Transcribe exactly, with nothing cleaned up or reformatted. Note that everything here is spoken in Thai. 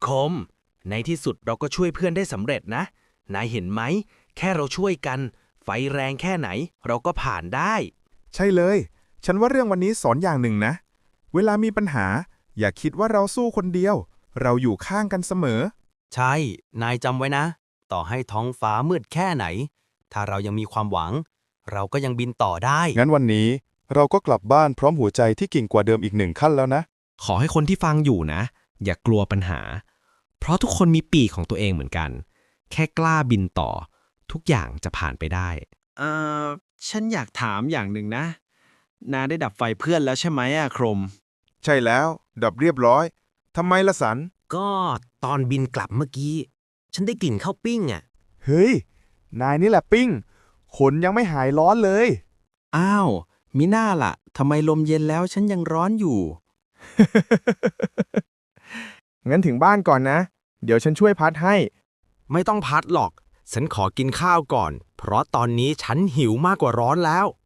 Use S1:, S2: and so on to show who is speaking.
S1: คมในที่สุดเราก็ช่วยเพื่อนได้สำเร็จนะนายเห็นไหมแค่เราช่วยกันไฟแรงแค่ไหนเราก็ผ่านได้
S2: ใช่เลย ฉันว่าเรื่องวันนี้สอนอย่างหนึ่งนะ เวลามีปัญหา อย่าคิดว่าเราสู้คนเดียว เราอยู่ข้างกันเสมอ
S3: ใช่ นายจำไว้นะ ต่อให้ท้องฟ้ามืดแค่ไหน ถ้าเรายังมีความหวัง เราก็ยังบินต่อได้
S4: งั้นวันนี้เราก็กลับบ้านพร้อมหัวใจที่กิ่งกว่าเดิมอีกหนึ่งขั้นแล้วนะ
S5: ขอให้คนที่ฟังอยู่นะ อย่ากลัวปัญหา เพราะทุกคนมีปีกของตัวเองเหมือนกัน แค่กล้าบินต่อ ทุกอย่างจะผ่านไปได้
S6: เอ่อ ฉันอยากถามอย่างหนึ่งนะ นาได้ดับไฟเพื่อนแล้วใช่ไหมอะโครม
S2: ใช่แล้ว ดับเรียบร้อย ทำไมละสัน
S1: ก็ตอนบินกลับเมื่อกี้ ฉันได้กลิ่นข้าวปิ้งอ่ะ
S2: เฮ้ย นายนี่แหละปิ้ง ขนยังไม่หายร้อนเลย
S6: อ้าว มิน่าล่ะ ทำไมลมเย็นแล้วฉันยังร้อนอยู่
S7: งั้นถึงบ้านก่อนนะ เดี๋ยวฉันช่วยพัดให้
S5: ไม่ต้องพัดหรอก ฉันขอกินข้าวก่อน เพราะตอนนี้ฉันหิวมากกว่าร้อนแล้ว